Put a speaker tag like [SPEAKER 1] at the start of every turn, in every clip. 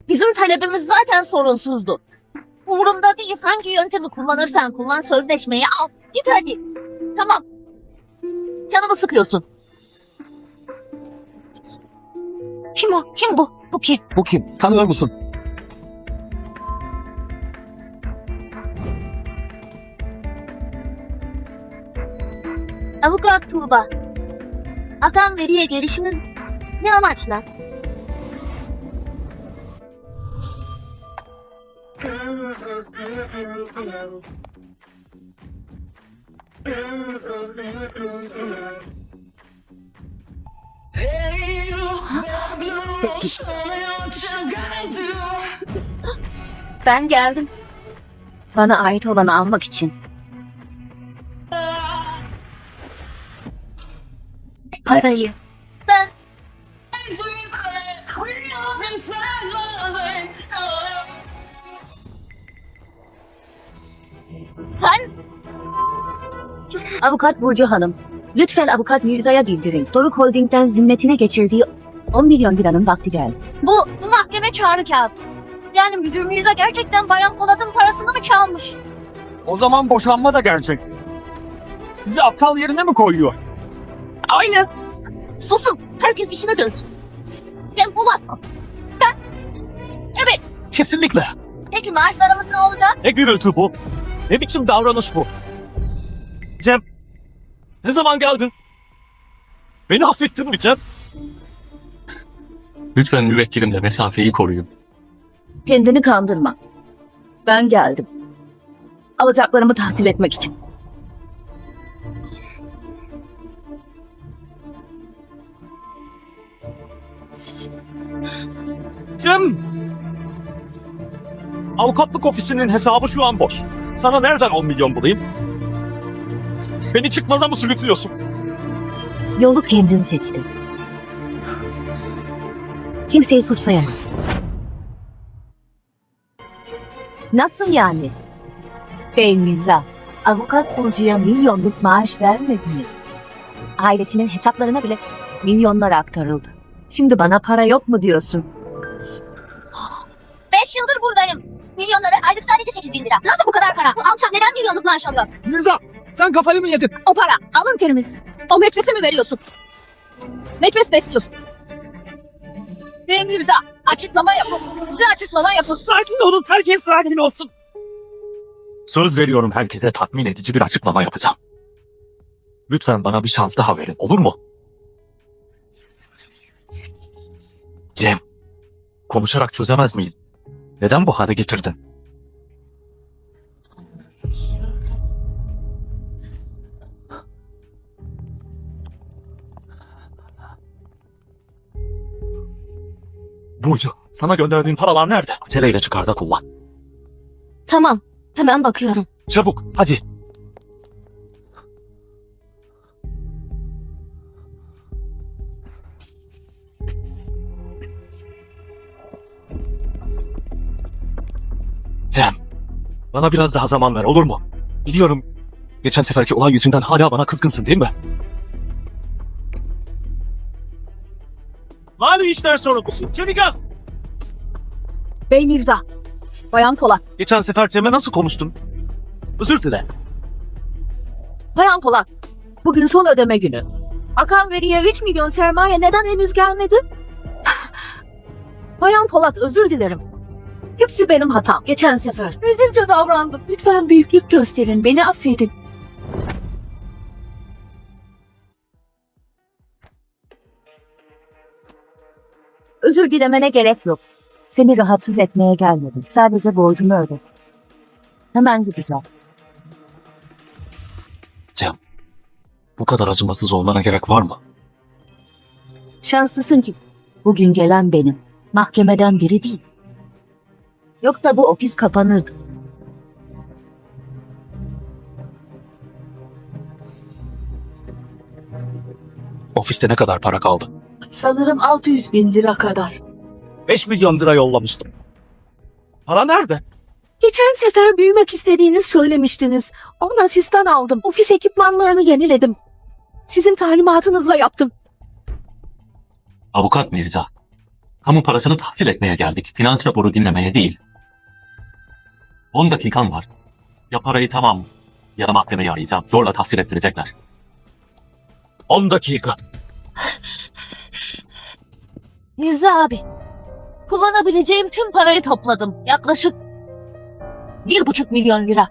[SPEAKER 1] Bizim talebimiz zaten sorunsuzdu. Umurumda değil, hangi yöntemi kullanırsan kullan, sözleşmeyi al. Git hadi. Tamam. Canımı sıkıyorsun. Kim o? Kim bu? Bu kim?
[SPEAKER 2] Bu kim? Tanıyor musun?
[SPEAKER 1] Avukat Tuğba. Akan veriye gelişiniz ne amaçla? Ben geldim. Bana ait olanı almak için. Parayı. Sen... Sen... Avukat Burcu Hanım, lütfen Avukat Mirza'ya bildirin. Doruk Holding'den zimmetine geçirdiği 10 milyon liranın vakti geldi. Bu mahkeme çağrı kağıt. Yani müdür Mirza gerçekten Bayan Polat'ın parasını mı çalmış?
[SPEAKER 2] O zaman boşanma da gerçek. Bizi aptal yerine mi koyuyor?
[SPEAKER 1] Aynen. Susun. Herkes işine dönsün. Ben Polat. Ben... Evet.
[SPEAKER 2] Kesinlikle.
[SPEAKER 1] Peki maaşlarımız ne olacak?
[SPEAKER 2] Ne gürültü bu? Ne biçim davranış bu? Cem, ne zaman geldin? Beni affettin mi Cem? Lütfen müvekkilimle mesafeyi koruyun.
[SPEAKER 1] Kendini kandırma. Ben geldim. Alacaklarımı tahsil etmek için.
[SPEAKER 2] Cem! Avukatlık ofisinin hesabı şu an boş. Sana nereden 10 milyon bulayım? Beni çıkmaza mı sürüklüyorsun?
[SPEAKER 1] Yolu kendin seçtin. Kimseyi suçlayamaz. Nasıl yani? Bey Mirza, avukat Burcu'ya milyonluk maaş vermedi mi? Ailesinin hesaplarına bile milyonlar aktarıldı. Şimdi bana para yok mu diyorsun? 5 yıldır buradayım. Milyonlara aylık sadece 8.000 lira. Nasıl bu kadar para? Bu alçak neden milyonluk maaş alıyor?
[SPEAKER 2] Mirza, sen kafayı mı yedin?
[SPEAKER 1] O para alın terimiz. O metrese mi veriyorsun? Metres besliyorsun. Bey Mirza, açıklama yapın. Bir açıklama yapın.
[SPEAKER 2] Sakin olun, herkes sakin olsun. Söz veriyorum, herkese tatmin edici bir açıklama yapacağım. Lütfen bana bir şans daha verin, olur mu? Cem, konuşarak çözemez miyiz? Neden bu hale getirdin? Burcu, sana gönderdiğim paralar nerede? Aceleyle çıkar da kullan.
[SPEAKER 1] Tamam, hemen bakıyorum.
[SPEAKER 2] Çabuk, hadi. Cem, bana biraz daha zaman ver, olur mu? Biliyorum, geçen seferki olay yüzünden hala bana kızgınsın değil mi? Mali işler sorumlusu, çevik al.
[SPEAKER 1] Bey Mirza, Bayan Polat.
[SPEAKER 2] Geçen sefer Cem'e nasıl konuştun? Özür dile.
[SPEAKER 1] Bayan Polat, bugün son ödeme günü. Akan veriye 3 milyon sermaye neden henüz gelmedi? Bayan Polat, özür dilerim. Hepsi benim hatam. Geçen sefer rezilce davrandım. Lütfen büyüklük gösterin, beni affedin. Özür dilemene gerek yok. Seni rahatsız etmeye gelmedim. Sadece borcunu öde. Hemen gideceğim.
[SPEAKER 2] Cem, bu kadar acımasız olmana gerek var mı?
[SPEAKER 1] Şanslısın ki bugün gelen benim. Mahkemeden biri değil. Yoksa bu ofis kapanırdı.
[SPEAKER 2] Ofiste ne kadar para kaldı?
[SPEAKER 1] Sanırım 600.000 lira kadar.
[SPEAKER 2] 5 milyon lira yollamıştım. Para nerede?
[SPEAKER 1] Geçen sefer büyümek istediğini söylemiştiniz. Onun asistan aldım. Ofis ekipmanlarını yeniledim. Sizin talimatınızla yaptım.
[SPEAKER 2] Avukat Mirza, Kamu parasını tahsil etmeye geldik. Finans raporu dinlemeye değil. 10 dakikan var. Ya parayı tamam ya da mahkemeyi arayacağım. Zorla tahsil ettirecekler. 10 dakika.
[SPEAKER 1] Mirza abi, kullanabileceğim tüm parayı topladım. Yaklaşık 1,5 milyon lira.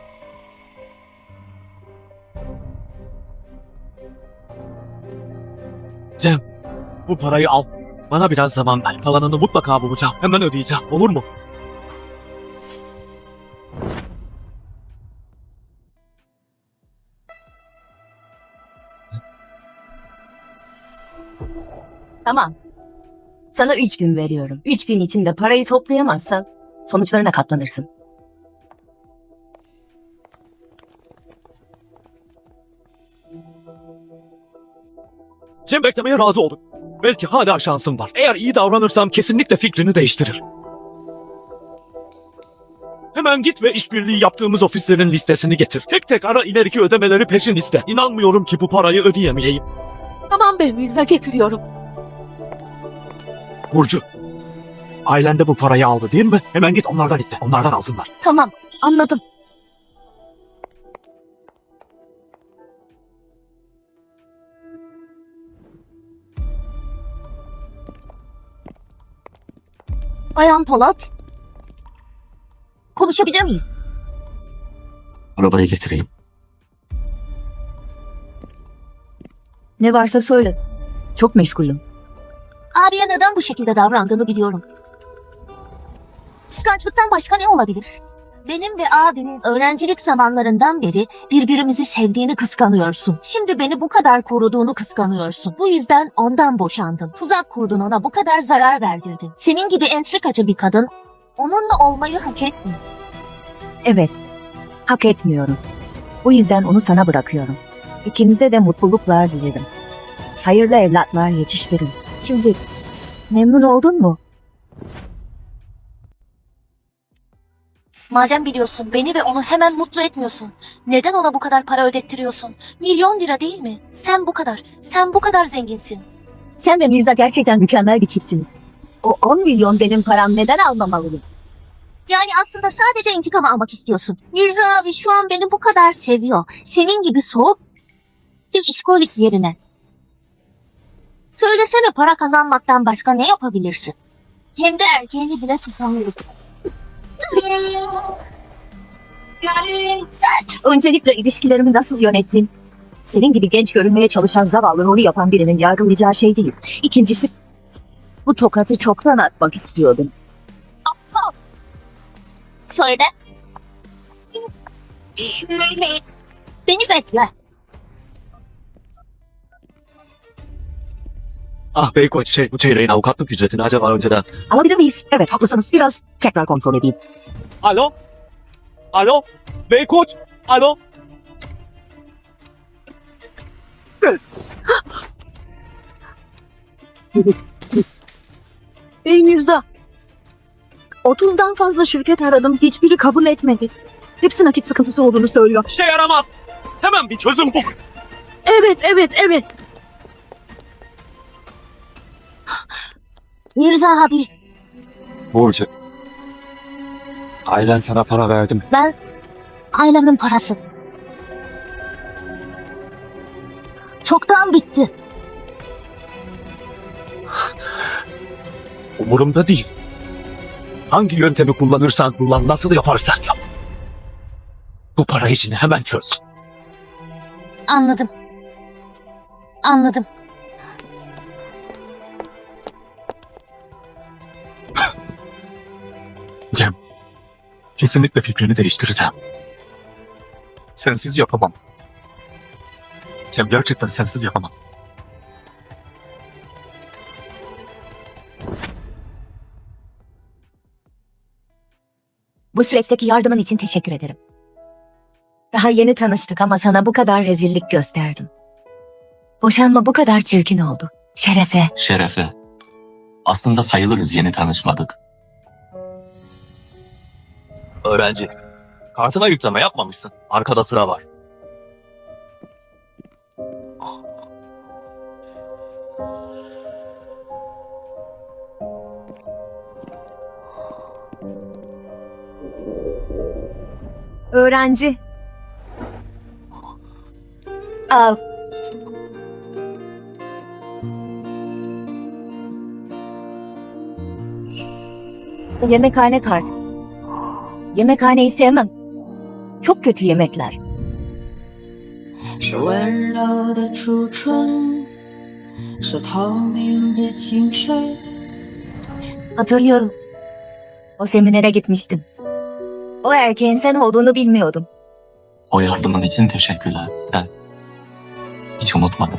[SPEAKER 3] Cem, bu parayı al. Bana biraz zaman ver. Kalanını mutlaka bulacağım. Hemen ödeyeceğim. Olur mu?
[SPEAKER 1] Tamam. Sana 3 gün veriyorum. 3 gün içinde parayı toplayamazsan sonuçlarına katlanırsın.
[SPEAKER 3] Cem beklemeye razı oldu. Belki hala şansım var. Eğer iyi davranırsam kesinlikle fikrini değiştirir. Hemen git ve işbirliği yaptığımız ofislerin listesini getir. Tek tek ara, ileriki ödemeleri peşin iste. İnanmıyorum ki bu parayı ödeyemeyeyim.
[SPEAKER 1] Tamam be Mirza, getiriyorum.
[SPEAKER 3] Burcu, ailen de bu parayı aldı değil mi? Hemen git onlardan iste. Onlardan alsınlar.
[SPEAKER 1] Tamam, anladım. Bayan Polat. Konuşabilir miyiz?
[SPEAKER 2] Arabayı getireyim.
[SPEAKER 1] Ne varsa söyle. Çok meşgulüm. Abiye neden bu şekilde davrandığını biliyorum. Kıskançlıktan başka ne olabilir? Benim ve abimin öğrencilik zamanlarından beri birbirimizi sevdiğini kıskanıyorsun. Şimdi beni bu kadar koruduğunu kıskanıyorsun. Bu yüzden ondan boşandın. Tuzak kurdun, ona bu kadar zarar verdirdin. Senin gibi entrikacı bir kadın onunla olmayı hak etmiyor. Evet, hak etmiyorum. Bu yüzden onu sana bırakıyorum. İkinize de mutluluklar dilerim. Hayırlı evlatlar yetiştirin. Şimdi memnun oldun mu?
[SPEAKER 4] Madem biliyorsun beni ve onu hemen mutlu etmiyorsun. Neden ona bu kadar para ödettiriyorsun? Milyon lira değil mi? Sen bu kadar zenginsin.
[SPEAKER 1] Sen ve Mirza gerçekten mükemmel bir çiftsiniz. O 10 milyon benim param, neden almamalıyım?
[SPEAKER 4] Yani aslında sadece intikam almak istiyorsun. Mirza abi şu an beni bu kadar seviyor. Senin gibi soğuk bir işkolik yerine. Söylesene, para kazanmaktan başka ne yapabilirsin? Hem de erkeğini bile tutamıyorsun.
[SPEAKER 1] Öncelikle ilişkilerimi nasıl yönettim? Senin gibi genç görünmeye çalışan zavallı rolü yapan birinin yargılayacağı şey değil. İkincisi, bu tokatı çoktan atmak istiyordum.
[SPEAKER 4] Söyle. Beni bekle.
[SPEAKER 3] Ah Beykoç, bu çeyreğin avukatlık ücretini acaba önceden...
[SPEAKER 1] Alabilir miyiz? Evet, haklısınız. Biraz tekrar kontrol edeyim.
[SPEAKER 3] Alo? Alo? Beykoç? Alo?
[SPEAKER 1] Ey Mirza, 30'dan fazla şirket aradım. Hiçbiri kabul etmedi. Hepsi nakit sıkıntısı olduğunu söylüyor.
[SPEAKER 3] İşe yaramaz. Hemen bir çözüm bul.
[SPEAKER 1] Evet.
[SPEAKER 4] Mirza abi,
[SPEAKER 2] Burcu. Ailen sana para verdi mi?
[SPEAKER 4] ben ailemin parası. Çoktan bitti.
[SPEAKER 3] Umurumda değil. Hangi yöntemi kullanırsan kullan, nasıl yaparsan yap. Bu para işini hemen çöz.
[SPEAKER 4] Anladım.
[SPEAKER 2] Cem. Kesinlikle fikrini değiştireceğim. Sensiz yapamam. Cem, gerçekten sensiz yapamam.
[SPEAKER 1] Bu süreçteki yardımın için teşekkür ederim. Daha yeni tanıştık ama sana bu kadar rezillik gösterdim. Boşanma bu kadar çirkin oldu. Şerefe.
[SPEAKER 2] Şerefe. Aslında sayılırız, yeni tanışmadık. Öğrenci. Kartına yükleme yapmamışsın. Arkada sıra var.
[SPEAKER 1] Öğrenci. Al. Yemekhane kartı. Yemekhaneyi sevmem. Çok kötü yemekler.
[SPEAKER 5] 是温柔的初春，是透明的清水。
[SPEAKER 1] Hatırlıyorum. O seminere gitmiştim. O erkeğin sen olduğunu bilmiyordum.
[SPEAKER 2] O yardımın için teşekkürler. Ben hiç unutmadım.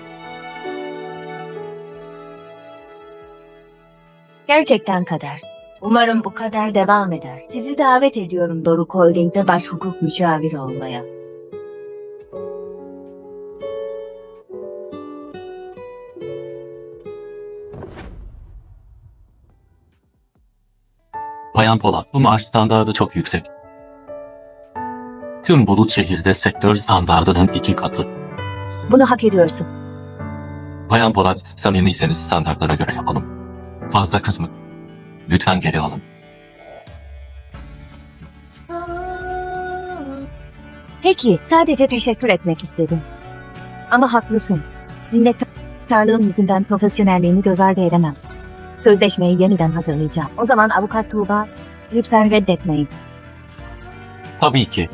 [SPEAKER 1] Gerçekten kader. Umarım bu kader devam eder. Sizi davet ediyorum Doruk Holding'de baş hukuk müşaviri olmaya.
[SPEAKER 2] Bayan Polat, bu maaş standardı çok yüksek. Tüm Bulut şehirde sektör standardının 2 katı.
[SPEAKER 1] Bunu hak ediyorsun.
[SPEAKER 2] Bayan Polat, samimiyseniz standartlara göre yapalım. Fazla kısmı. Lütfen geri alın.
[SPEAKER 1] Peki, sadece teşekkür etmek istedim. Ama haklısın. Minnettarlığım yüzünden profesyonelliğimi göz ardı edemem. Sözleşmeyi yeniden hazırlayacağım. O zaman avukat Tuğba, lütfen reddetmeyin.
[SPEAKER 2] Tabii ki.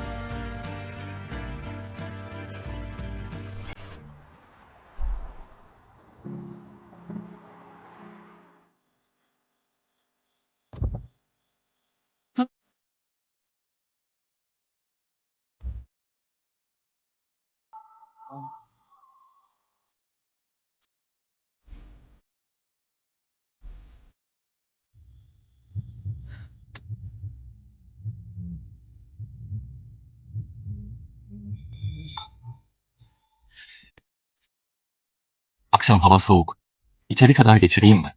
[SPEAKER 2] Akşam hava soğuk. İçeri kadar geçireyim mi?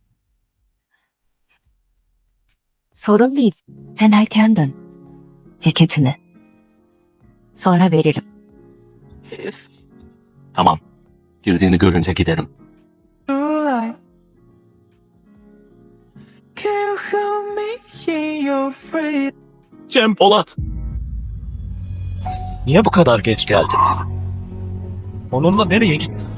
[SPEAKER 1] Sorun değil. Sen erken dön. Ceketini. Sonra veririm.
[SPEAKER 2] Tamam. Girdiğini görünce giderim.
[SPEAKER 6] Can you help me in your free?
[SPEAKER 3] Cem Polat. Niye bu kadar geç geldin? Onunla nereye gittin?